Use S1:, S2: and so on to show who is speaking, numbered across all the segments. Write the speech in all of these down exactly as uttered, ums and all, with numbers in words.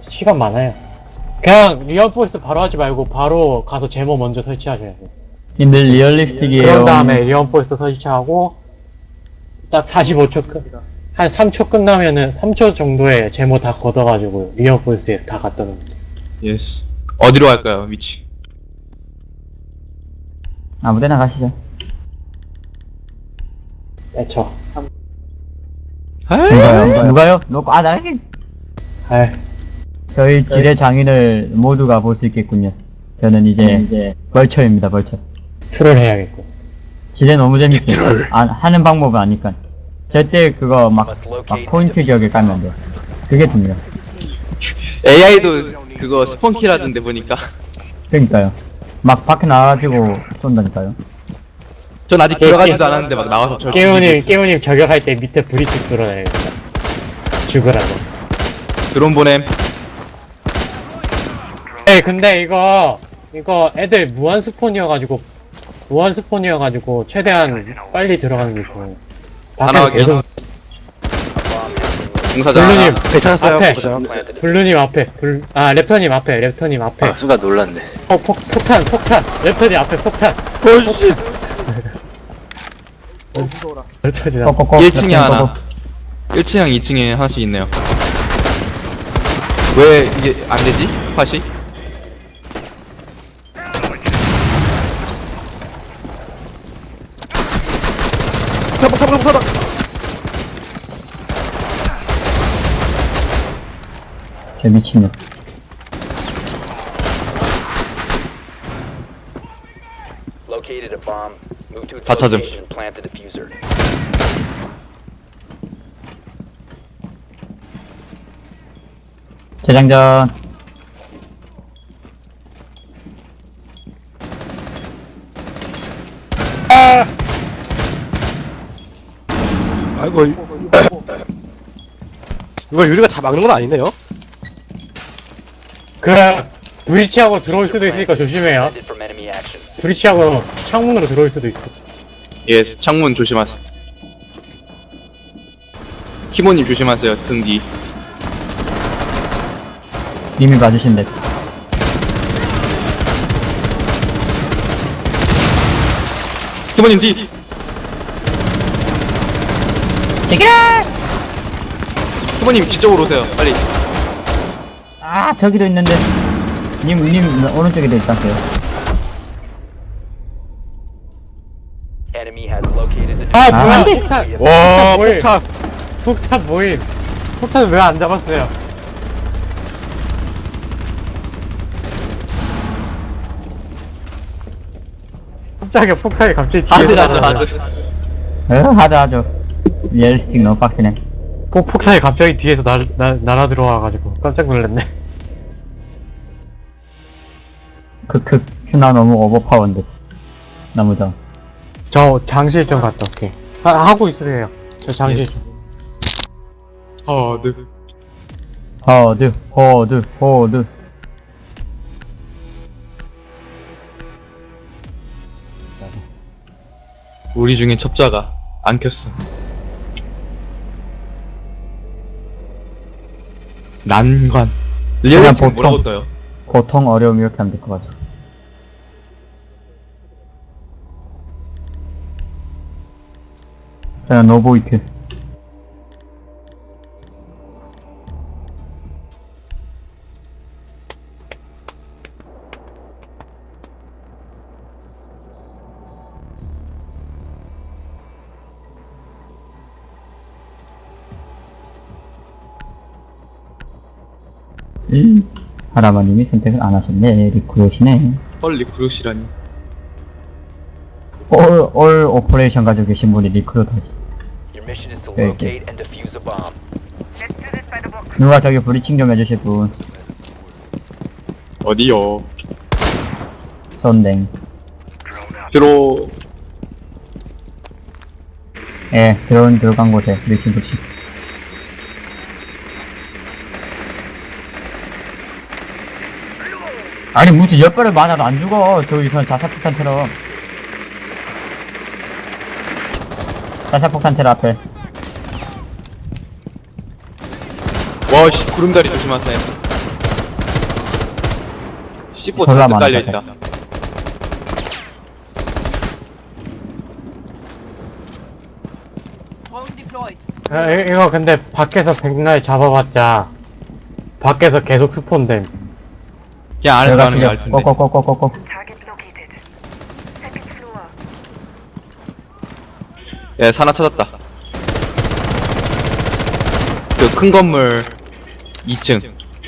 S1: 시간 많아요. 그냥 리얼포스 바로 하지 말고 바로 가서 제모 먼저 설치하셔야 돼요.
S2: 님들 리얼리스틱이에요.
S1: 그런 다음에 리얼포스 설치하고 딱 사십오 초 끝. 한 삼 초 끝나면은 삼 초 정도에 제모 다 걷어가지고 리얼포스에 다 갖다 놓으면 돼요.
S3: 예스. 어디로 갈까요, 위치?
S2: 아무데나 가시죠.
S1: 떼쳐.
S2: 누가요? 누가요? 누가? 아, 나
S1: 알.
S2: 저희 지뢰 장인을 모두가 볼 수 있겠군요. 저는 이제 이제 벌처입니다. 벌처.
S1: 트롤 해야겠고.
S2: 지뢰 너무 재밌어요. 아, 하는 방법은 아니까. 절대 그거 막, 막 포인트 지역에 까면 돼. 그게 중요해.
S3: 에이아이도 그거 스폰키라던데 보니까.
S2: 그러니까요. 막 밖에 나와가지고 쏜다니까요.
S3: 전 아직 들어가지도 않았는데 막 나와서 저
S1: 깨우님, 깨우님 저격할 때 밑에 브리치 뚫어내야겠다. 죽으라고.
S3: 드론 보냄.
S1: 네, 근데 이거, 이거 애들 무한 스폰이어가지고, 무한 스폰이어가지고, 최대한 빨리 들어가는 게 좋아요.
S3: 하나
S1: 밖에서 계속,
S3: 공사장
S1: 블루님,
S3: 하나.
S4: 괜찮았어요,
S1: 앞에.
S4: 보장.
S1: 블루님 앞에, 블, 아, 랩터님 앞에, 랩터님 앞에.
S4: 아, 순간 놀랐네.
S1: 어, 폭, 폭탄, 폭탄! 랩터님 앞에 폭탄!
S4: 어이씨.
S1: 랩터님 앞에.
S2: 꼭꼭꼭.
S3: 일 층에 하나. 일 층이랑 이 층에 하나씩 있네요. 왜 이게 안 되지? 스팟이?
S4: 사박, 사박, 사박.
S2: 저 미친년.
S5: Located a bomb. Move to its
S3: 다 찾음.
S5: location. Plant the diffuser.
S2: 재장전.
S4: 아이고. 이- 이거 유리가 다 막는 건 아니네요.
S1: 그, 브리치하고 들어올 수도 있으니까 조심해요.
S5: Defended from enemy action.
S1: 브리치하고 창문으로 들어올 수도 있어.
S3: 예, 창문 조심하세요. 키모님 조심하세요, 등 뒤.
S2: 님이 봐주신대.
S3: 키모님 뒤! 키모님 뒤쪽으로 오세요, 빨리.
S2: 아, 저기도 있는데. 님, 님, 오른쪽에도 있다세요.
S5: Enemy has located the
S1: 아,
S2: 아,
S1: 뭐야,
S2: 안 돼.
S1: 폭탄!
S4: 와,
S1: 뭐임?
S4: 폭탄.
S1: 폭탄 모임! 폭탄 왜 안 잡았어요? 갑자기 폭탄이 갑자기
S3: 하드
S1: 뒤에서
S3: 하드
S1: 날아오네.
S3: 하드.
S2: 어, 하죠, 하죠. 리얼리스틱 너무 빡치네.
S1: 폭, 폭탄이 갑자기 뒤에서 날, 날, 날아 들어와가지고 깜짝 놀랐네.
S2: 크크, 스나 너무 오버파워인데. 너무 더.
S1: 저 장실 좀 갔다 올게. 아, 하고 있으세요. 저 장실 좀.
S3: 하드.
S2: 허드, 허드, 허드.
S3: 우리 중에 첩자가 안 켰어. 난관. 리얼
S2: 그냥
S3: 지금 뭐라고
S2: 보통-
S3: 떠요?
S2: 고통, 어려움 이렇게 하면 될 것 같아. 자, 노보이트. 음, 하라마님이 선택을 안 하셨네. 리크루시네.
S3: 헐 리크루시라니.
S2: 올, 올 오퍼레이션 가지고 계신 분이 리크루트 하시.
S5: Your mission is to
S2: Okay,
S5: locate and defuse a bomb.
S2: 누가 저기 브리칭 좀 해주실 분.
S3: 어디요?
S2: 쏜댕.
S3: 들어.
S2: 예, 들어온 들어간 곳에 리칭 붙이. 아니 무슨 열 발을 맞아도 안 죽어. 저 이선 자사폭탄처럼. 자사폭탄 테러 앞에.
S3: 와씨 구름다리 조심하세요. 씨포
S2: 졸라
S3: 잔뜩
S2: 많아,
S3: 깔려있다.
S6: Drone deployed.
S1: 야, 이- 이거 근데 밖에서 백날 잡아봤자 밖에서 계속 스폰됨.
S3: 그냥 안에서
S2: 내가
S3: 가는 게 나을
S2: 지금
S3: 텐데.
S2: 꼬꼬꼬꼬꼬꼬.
S7: Target located. Second floor.
S3: 예, 하나 찾았다. 그 큰 건물 이 층.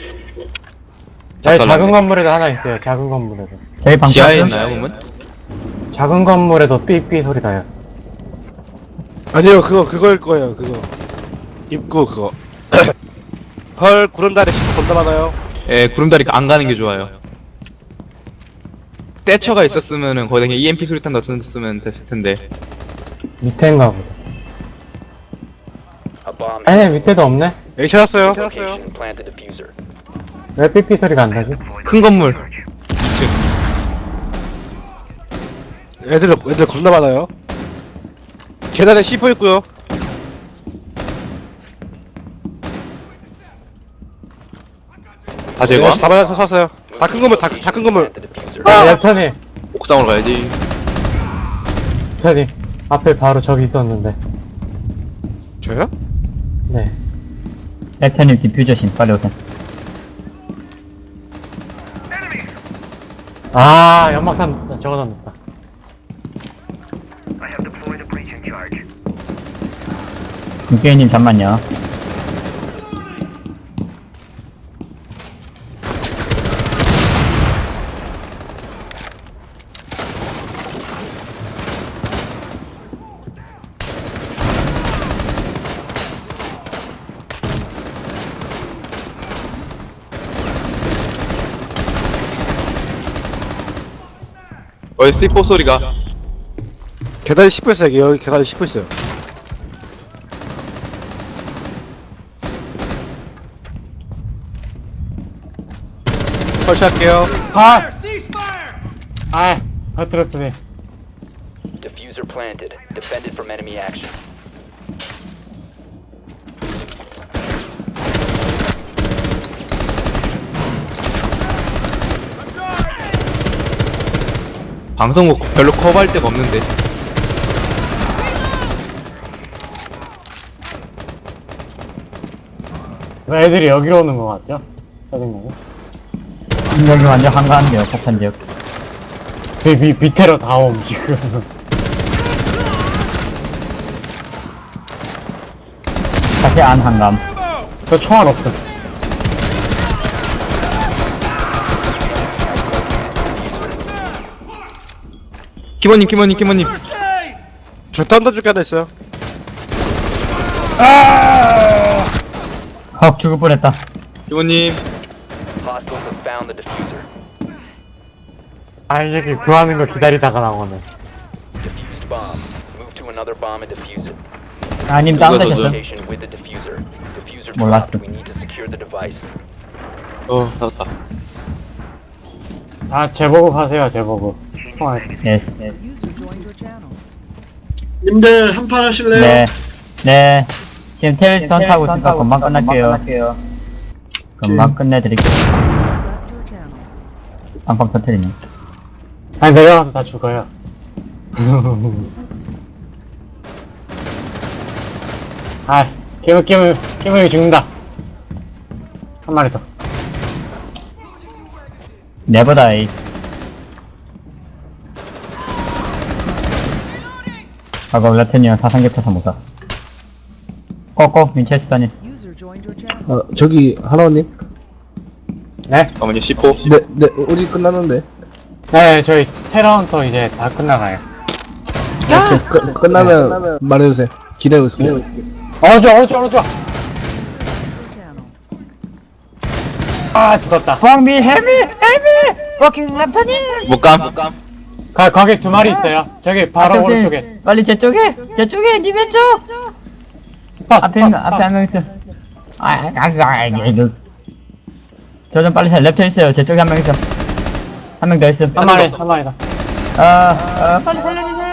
S1: 네, 작은 건물에도 하나 있어요. 작은 건물에도.
S2: 저희 방
S3: 지하에
S2: 쳤음?
S3: 있나요, 그러면?
S1: 작은 건물에도 삐삐 소리 나요.
S4: 아니요, 그거, 그거일 거예요, 그거. 입구, 그거. 헐, 구름다리 씨 겁나 많아요.
S3: 예, 구름다리 안 가는 게 좋아요. 떼처가 있었으면은 거기다 그냥 이엠피 수리탄 넣었으면 됐을 텐데.
S1: 밑에인가 보다.
S5: A bomb
S1: 아니, 밑에도 없네?
S4: 여기 찾았어요.
S5: location and plant the diffuser.
S1: 왜 삐삐 소리가 안 나지?
S3: 큰 건물.
S4: 애들, 애들 겁나 많아요. 계단에 씨포 있고요.
S3: 다 제거.
S4: 네, 다 맞아서 샀어요. 다 큰 건물, 다, 다 큰 건물.
S5: Plant the diffuser.
S1: 아, 랩터님!
S3: 옥상으로 가야지.
S1: 랩터님. 앞에 바로 저기 있었는데.
S4: 저요?
S1: 네.
S2: 랩터님 디퓨저신 빨리 오세요.
S1: 아, 연막탄 적어놨다.
S7: I have deployed a breaching charge.
S2: 김게이님 잠만요.
S3: 어, 씨포 소리가.
S4: 계단에 씨포 있어요. 여기, 여기 계단에 씨포 있어요. 설치할게요.
S1: 아! 아, 허트러프네.
S5: Diffuser planted. Defended from enemy action.
S3: 방송국 별로 커버할 데가 없는데.
S1: 왜 애들이 여기로 오는 거 같죠? 짜증나네.
S2: 여기 완전 한가한데요, 폭탄 지역.
S1: 그 밑, 밑으로 다 옴, 지금.
S2: 다시 안 한감.
S1: 저 총알 없어.
S3: 키모님, 키모님, 키모님.
S4: 저 던져줄게 하나 있어요.
S2: 헉, 죽을 뻔했다.
S3: 키모님.
S5: Hostiles have found the diffuser.
S1: 아, 이 새끼 구하는 거 기다리다가 나오네.
S5: Diffused bomb. Move to another bomb and defuse it.
S2: 아, 님
S3: 누가
S2: 다운되셨어?
S3: 던져?
S5: Location with the diffuser. Diffuser
S2: 몰랐어.
S5: dropped. We need to secure the device.
S3: 어, 살았다.
S1: 아, 제보급 하세요, 제보급. 총알.
S2: 예, 예.
S6: User joined your channel.
S8: 님들 한판 하실래요?
S2: 네. 네. 지금 테일스턴 타고 있으니까 금방 끝날게요. 금방 끝내드릴게요.
S6: User left your channel.
S2: 빵빵 터트리네.
S1: 아니, 내려가서 다 죽어요. 아, 깨물, 깨물, 깨물이 죽는다. 한 마리 더.
S2: 네버다이. 아까 랩튼이랑 사상계 타서 못사. 꼬꼬, 민체스터님.
S6: User joined your channel.
S8: 어, 저기 하나원님?
S1: 네?
S3: 어머니 씨포.
S8: 네, 네, 우리 끝났는데.
S1: 네, 저희 테러헌터 이제 다 끝나가요.
S8: 오케이, 끝, 끝나면 말해주세요. 기다리고 있을게요.
S1: 어저, 어저, 어저!
S6: User left your channel.
S1: 아, 죽었다.
S2: 왕미, 헬미, 헬미! 워킹 랩튼이!
S3: 못 감.
S1: 가, 거기 두 마리 있어요. 저기 바로 오른쪽에.
S2: 빨리 제 쪽에! 제 쪽에! 니 왼쪽!
S1: 스팟,
S2: 앞에,
S1: 스팟,
S2: 있는- 앞에 한 명 있어. 아, 아, 아, 아, 이거. 저 좀 빨리 살. 랩튼 있어요. 제 쪽에 한 명 있어. 한 명 더 있어.
S1: 한 마리, 한 마리 더.
S2: 아, 아, 빨리 살려주세요.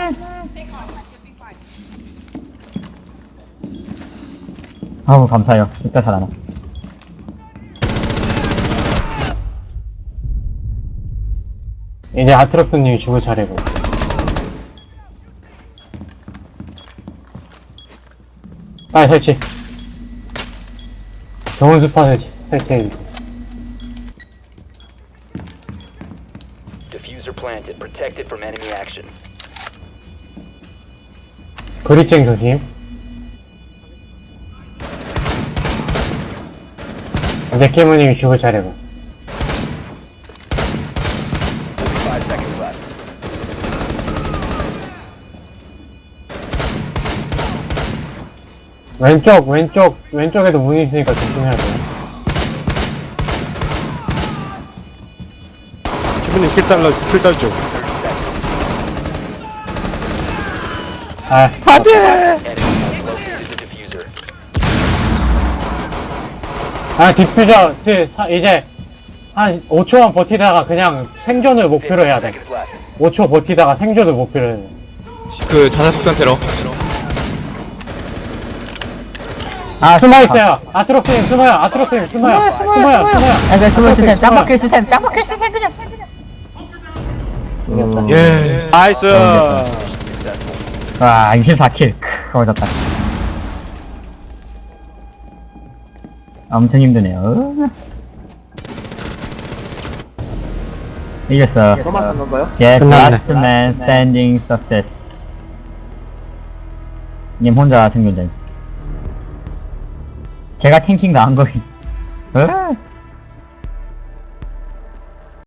S2: 아우, 감사해요. 이따 살아나.
S1: 이제 아트록스님이 죽을 차례고. 빨리 설치. 좋은 스팟 설치, 설치해주세요.
S5: Diffuser planted. Protected from enemy action.
S1: 그립쟁 조심. 이제 키무님이 죽을 차례고.
S5: Five seconds left.
S1: 왼쪽, 왼쪽, 왼쪽에도 문이 있으니까 조심해야 돼요.
S4: 기분이 킬 달러 킬 달죠.
S1: 아,
S5: Enemy has located the diffuser.
S1: 아, 디퓨저, 그, 사- 이제, 한 오 초만 버티다가 그냥 생존을 목표로 해야 돼.
S5: Seconds left.
S1: 오 초 버티다가 생존을 목표로 해야 돼.
S3: 그 자살 폭탄 테러.
S2: 아,
S1: 숨어있어요! 아트록스님 숨어요! 아트록스님 숨어요! 숨어요! 숨어요!
S2: 아, 네, 숨을 시스템,
S1: 숨어요.
S2: 짱박힐 시스템, 짱박힐 시스템, 그냥. 음,
S3: 예.
S4: 나이스.
S2: 와, 이십사 킬. 크, 거졌다. 엄청 힘드네요. 이겼어. Get
S1: 끝났네.
S2: last man standing success. 님 혼자 생존된. 제가 탱킹 나한 거임. 어?